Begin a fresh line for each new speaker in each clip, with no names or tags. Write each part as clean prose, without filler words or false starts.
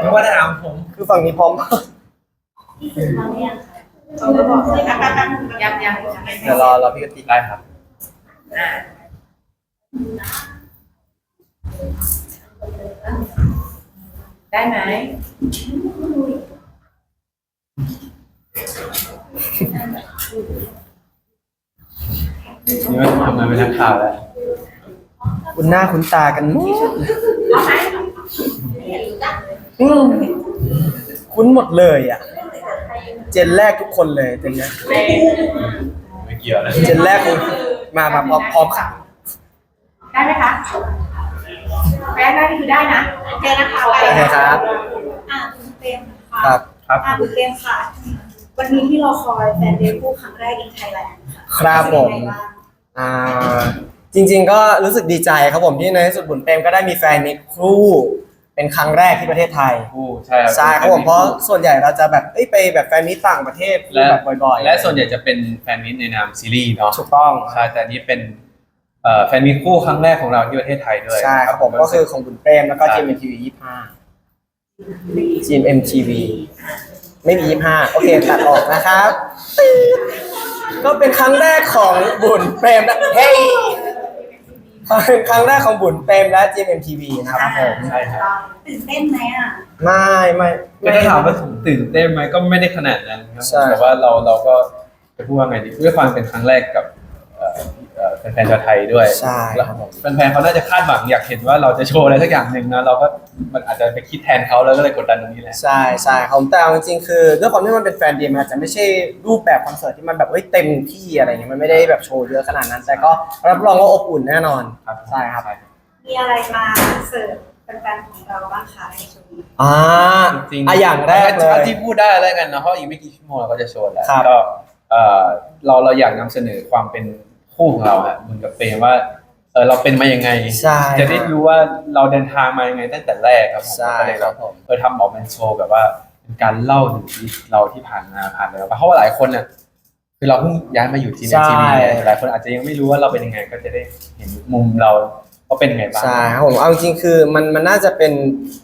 ไม่ว่าจะถามผม
คือฝั่งนี้พร้อม
ที่สื่อมาเนี่ยเขาจะบอกเลยยัง
เดี๋ยวรอพี่กติก
ได้ครับ
ได้ไหม
นี่ว่าทำงานเป็นนักข่าวแล้ว
คุณหน้าคุณตากันหมด
เอาไหม
อืมคุ้นหมดเลยอ่ะ เจนแรกทุกคนเลยเจนเนี้ย
ไม่เกี่ยวนะ
เจนแรกมาพร้อมค่ะ
ได้ไหมคะแพ้ได้นี่คือได้นะโอเคนะคะ
โอเคครับ
คุณเต็มค่ะ
ครับ
ครับ
คุณเต็มค่ะ วันนี้ที่เราคอยแฟนเดย์คู่ครั้งแรกในไทยแลนด์ค่ะ
ครับผมอ่าจริงๆก็รู้สึกดีใจครับผมที่ในที่สุดบุญเปรมก็ได้มีแฟนมิตรคู่เป็นครั้งแรกที่ประเทศไทย
คู่ใช่ครับ
ใช่ครับผมเพราะส่วนใหญ่เราจะแบบไปแบบแฟนมิตรต่างประเทศ
และ
แบบบ่อยๆ
และส่วนใหญ่จะเป็นแฟนมิตรในนามซีรีส์เนาะ
ถูกต้อง
ใช่แต่อันนี้เป็นแฟนมิตรคู่ครั้งแรกของเราที่ประเทศไทยด้วย
ใช่ครับผมก็คือของบุญเปรมแล้วก็ GMMTV 25 GMMTV ไม่มี25โอเคตัดออกนะครับก็เป็นครั้งแรกของบุญเปรมนะเฮ้ยเป็นครั้งแรกของบุญเปรมและ GMMTV นะครับผม
ใช่ครับ
ตื่นเต้นไหมอ่ะ
ไม่
ก็ถ้าถามว่าตื่นเต้นไหมก็ไม่ได้ขนาดนั้นครับ
ใช่
แต่ว่าเราก็จะพูดว่าไงดีด้วยความเป็นครั้งแรกกับแฟนๆชาวไทยด้วย
ใช่
แล้ว
ครับผม
แฟนๆเขาน่าจะคาดหวังอยากเห็นว่าเราจะโชว์อะไรสักอย่างหนึ่งนะเราก็มันอาจจะไปคิดแทนเขาแล้วก็เลยกดดันตรงนี้แหละ
ใช่ครับแต่เอาจริงๆคือด้วยความที่มันเป็นแฟนเดย์มันอาจจะไม่ใช่รูปแบบคอนเสิร์ตที่มันแบบเต็มที่อะไรเงี้ยมันไม่ได้แบบโชว์เยอะขนาดนั้น แต่ก็รับรองว่าอบอุ่นแน่นอน
ครับ
ใช่ครับ
มีอะไรมาเสิร์ฟแฟนๆของเราบ้างคะในช่วงนี้
จริง
อย่างแรกเลย
ที่พูดได้แล้วกันเนาะเพราะอีกไม่กี่ชั่วโมงเราก็จะโชว์แล้ว
ครับ
ก็เราอยากนำเสนอความเป็นคู่ของเราฮะเหมือนกับเปรมว่าเราเป็นมายังไง
ใช่
จะได้รู้ว่าเราเดินทางมายังไงตั้งแต่แรกครับผม
ใช่
ก็เลย
ครับผม
ทำออกเป็นโชว์แบบว่าเป็นการเล่าถึงชีวิตเราที่ผ่านมาแล้วเพราะว่าหลายคนน่ะคือเราเพิ่งย้ายมาอยู่ที่ในทีวีหลายคนอาจจะยังไม่รู้ว่าเราเป็นยังไงก็จะได้เห็นมุมเราว่าเป็นยังไงบ้าง
ใช่ครับผมเอาจริงๆคือมันน่าจะเป็น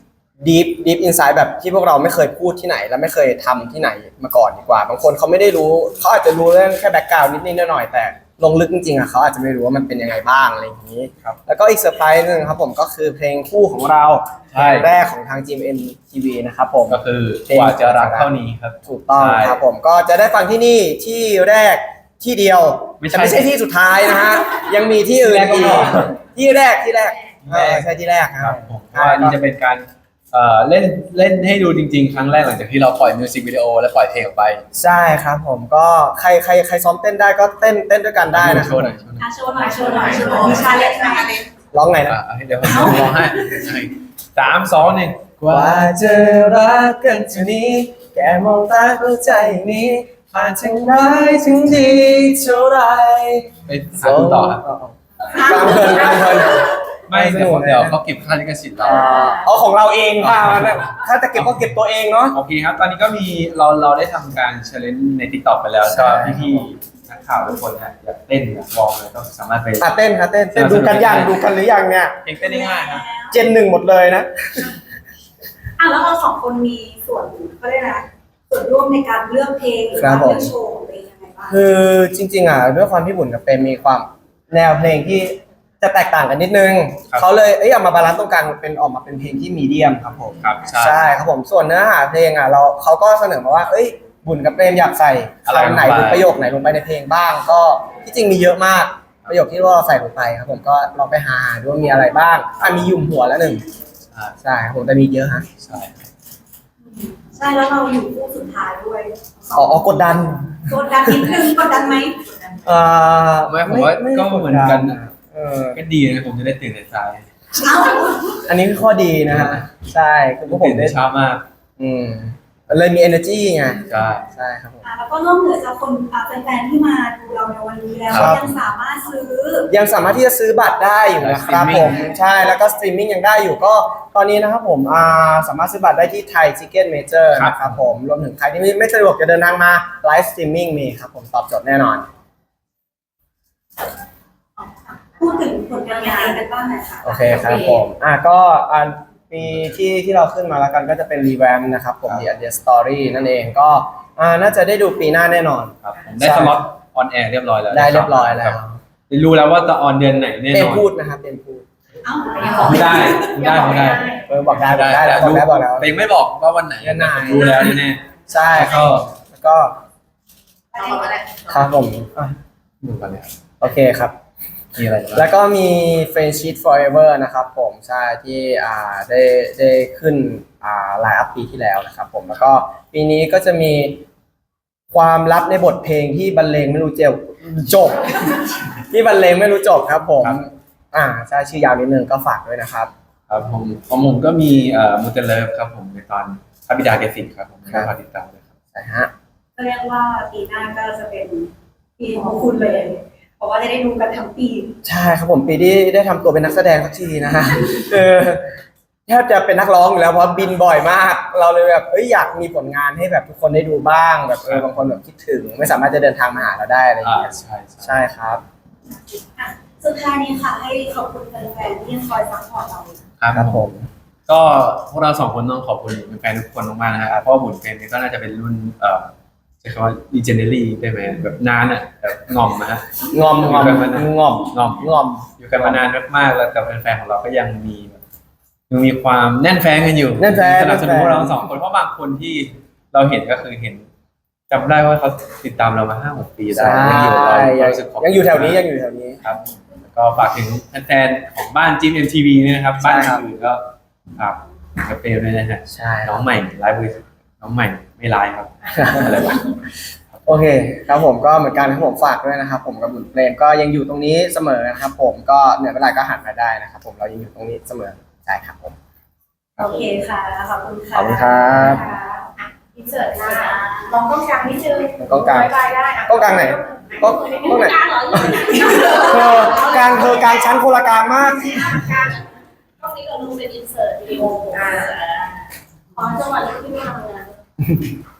deep insight แบบที่พวกเราไม่เคยพูดที่ไหนและไม่เคยทำที่ไหนมาก่อนดีกว่าบางคนเขาไม่ได้รู้เขาอาจจะรู้เรื่องแค่แบ็กกราวด์นิดๆหน่อยๆแต่ลงลึกจริงๆอ่ะเขาอาจจะไม่รู้ว่ามันเป็นยังไงบ้างอะไรอย่างนี้
ครับ
แล้วก็อีกเซอร์ไพรส์หนึงครับผมก็คือเพลงคู่ของเรา
ใช่
เพลงแรกของทาง GMMTV นะครับผม
ก็คือกว่าจะรักเท่านี้ครับ
ถูกต้อง
ใช่
ครับผมก็จะได้ฟังที่นี่ที่แรกที่เดียว
ไม่ใช่
แต่ไม่ใช่ที่สุดท้ายนะฮะยังมีที่อื่น
ที่
อี
แรก
ก
ก็พอ
ที่แรกใช่ที่แรกค
ค
รั
รั
บบ
ผมว่านี่จะเป็นการเล่นให้ดูจริงๆ ครั้งแรกหลังจากที่เราปล่อยมิวสิกวิดีโอและปล่อยเพลงออกไป
ใช่ครับผมก็ใครซ้อมเต้นได้ก็เต้นด้วยกันได้นะค
โช
รับ
ว์หน่อย
โชว์หน่อยมีชาเลนจ์ไหม
ร้องไงนะ
เดี๋ยวผมร้องให้3 2 1
กว่าจะรักกันเท่านี้แกมองตาเข้าใจอย่างนี้ผ่านถึงร้ายถึงดีเท่าไร
ไปหาคุณต่อครับ
กลางเพลิน
ไม่เดี๋ยวเขาเก็บค่าลิขสิทธิ์เรา
เอาของเราเองค่ะถ้าจะเก็บก็เก็บตัวเองเนาะ
โอเคครับ ตอนนี้ก็มีเราได้ทำการเชลเลนใน TikTok ไปแล้ว
ใช่
ก็พี่ๆนักข่าวทุกคนเนี่ยอยากเต้นอยากลองเลยก็สามารถไป
เต้นค่ะเต้นดูกันยังดูกันหรือยังเนี่ย
เพลงเต้นได้ง่ายครับ
เจนหนึ่งหมดเลยนะ
แล้วเราสองคนมีส่วนก็ได้นะส่วนร่วมในการเลือกเพลงหรือว่าเลือกโชว์ของตัวเองยังไงบ้าง
คือจริงๆด้วยความที่บุญกับเปรมมีความแนวเพลงที่จะแตกต่างกันนิดนึงเขาเลยเอามาบาลานซ์ตรงกลางเป็นออกมาเป็นเพลงที่มีเดียมครับผม
ครับ
ใช่ครับผมส่วนเนื้อหาเพลงเขาก็เสนอมาว่าบุญกับเปรมอยากใส่คำไหนหรือประโยคไหนลงไปในเพลงบ้าง ก็ที่จริงมีเยอะมากประโยคที่เราใส่ลงไปครับผมก็ลองไปหาดูว่ามีอะไรบ้างมียุ่มหัวแล้วหนึ่งใช่ครับผมแต่มีเยอะฮะ
ใช่
ใช่แล้วเราอยู่คู่สุดท้ายด้วย
กดดัน
กดดันนิดนึงกดดันไหม
ไม่ผมว่าก็เหมือนกันนะ
อ
ก็ดีนะผมจะได้ตื่นแต่เช้า
เอ้า
อันนี้คือข้อดีนะฮะใช่คือพวกผ
ตื่
ม
น
ได้
แต่เช้ามาก
เลยมี energy ไง
ใช่
ใช่ครับผม
แล้วก็นอกเหนือจากคนแฟนๆที่มาดูเราในวันนี้แล้ว
ครับ
ยังสามารถซื้อ
ยังสามารถที่จะซื้อบัตรได้อยู่นะครับผมใช่แล้วก็สตรีมมิ่งยังได้อยู่ก็ตอนนี้นะครับผมสามารถซื้อบัตรได้ที่ไทยทิเก็ตเมเจอร์นะครับผมรวมถึงใครที่ไม่สะดวกจะเดินทางมาไลฟ์สตรีมมิ่งมีครับผมตอบโจทย์แน่นอน
พูดถึงผลงานกันบ้างหน่อยค่ะ
โอเคครับผมก็ปีที่เราขึ้นมาแล้วกันก็จะเป็นรีแวมนะครับผม The Idea Story นั่นเองก็น่าจะได้ดูปีหน้าแน่นอน
ครับผมได้สล็อตออนแอร์เรียบร้อยแล้ว
ได้เรียบร้อยแล้ว
รู้แล้วว่าจะออนเดือนไหนแน่
เต็
น
ม
อน
พูดนะครับเต็มพูด
เอ้า
ไม่ได้
บอกได้แล้วบอกแล้ว
แต่ยังไม่บอกว่าวันไหน
เดือนไหน
รู้แล้วแน่
ใช่
ๆ
แล้วก็
เอามาแล้ว
ครับผม
ดูกันเนี่ย
โอเคครับ
มีอะไรบ้าง
แล้วก็มี Friendship Forever นะครับผมใช่ที่ได้ขึ้นไลน์อัพปีที่แล้วนะครับผมแล้วก็ปีนี้ก็จะมีความลับในบทเพลงที่บรรเลงไม่รู้จบ ที่บรรเลงไม่รู้จบครับผมใช่ชื่อยาวนิดนึงก็ฝากด้วยนะครับ
ครับผมของผมก็มีมูเตเลฟครับผมในตอนพระบิดาเกสิครับผมก็ฝากติดตามด้วยครับ
ใช่ฮะ
ก็เรียกว่าปีหน้าก็จะเป็นปีของคุณเลย เพราะว่าจะได้ดูกันทั้งปี
ใช่ครับผมปีที่ได้ทำตัวเป็นนักแสดงสักทีนะฮะแทบจะเป็นนักร้องอยู่แล้วเพราะบินบ่อยมาก เราเลยแบบอยากมีผลงานให้แบบทุกคนได้ดูบ้างแบบบางคนแบบคิดถึงไม่สามารถจะเดินทางมาหาเราได้อะไรอย่างเงี้ย
ใช่
ครับ
อ่ะสุดท้ายนี้ค่ะให้ขอบคุณแฟนๆที่ยังคอยซัพพอร์ตเรา
ครับผมก็พวกเราสองคนต้องขอบคุณแฟนๆทุกคนมากๆนะครับเพราะว่าบุญเฟนก็น่าจะเป็นรุ่นใช้คำว่า legendary ได้ไหมแบบนานอ่ะแบบงอมนะฮะ
งอม
อยู่กันมานานมากๆแล้วแต่แฟนๆของเราก็ยังมีแบบยังมีความแน่นแฟ้งกันอยู่
แน่นแฟ้ง
สนับสนุนพวกเราสองคนเพราะบางคนที่เราเห็นก็คือเห็นจำได้ว่าเขาติดตามเรามา 5-6 ปีได้
ใช่
ยังรู้สึกขบคุณ
ยังอยู่แถวนี้
ครับแล้วก็ฝากถึงแฟนๆของบ้านจิม MTV เนี่ยนะครับบ้านอื่นก็ฝากกระเปรด้วยนะฮะ
ใช่
น้องใหม่ไลฟ์น้องใหม่ไม่ไลฟ์ครับอะไรวะ
โอเคครับผมก็เหมือนกันครับผมฝากด้วยนะครับผมกับบุญเพลงก็ยังอยู่ตรงนี้เสมอนะครับผมก็เหนื่อยเวลาก็หันมาได้นะครับผมเรายังอยู่ตรงนี้เสมอใช่ครับผม
โอเคค่ะ ขอบคุณค่ะ
ขอบคุณครับ
อินเสิร์ตค่ะลองกล้องกลางนิดนึง
กล้องกลาง
บายได้ะ
กล้องกลางไหนกล้องไหน
กลางเหรอ
กลางชั้นคนละกลางมาก
กล้องนี้เราดูเป็นอินเสิร์ตวิดีโออ๋อจังหวะนี้ที่ไม่ทำงาน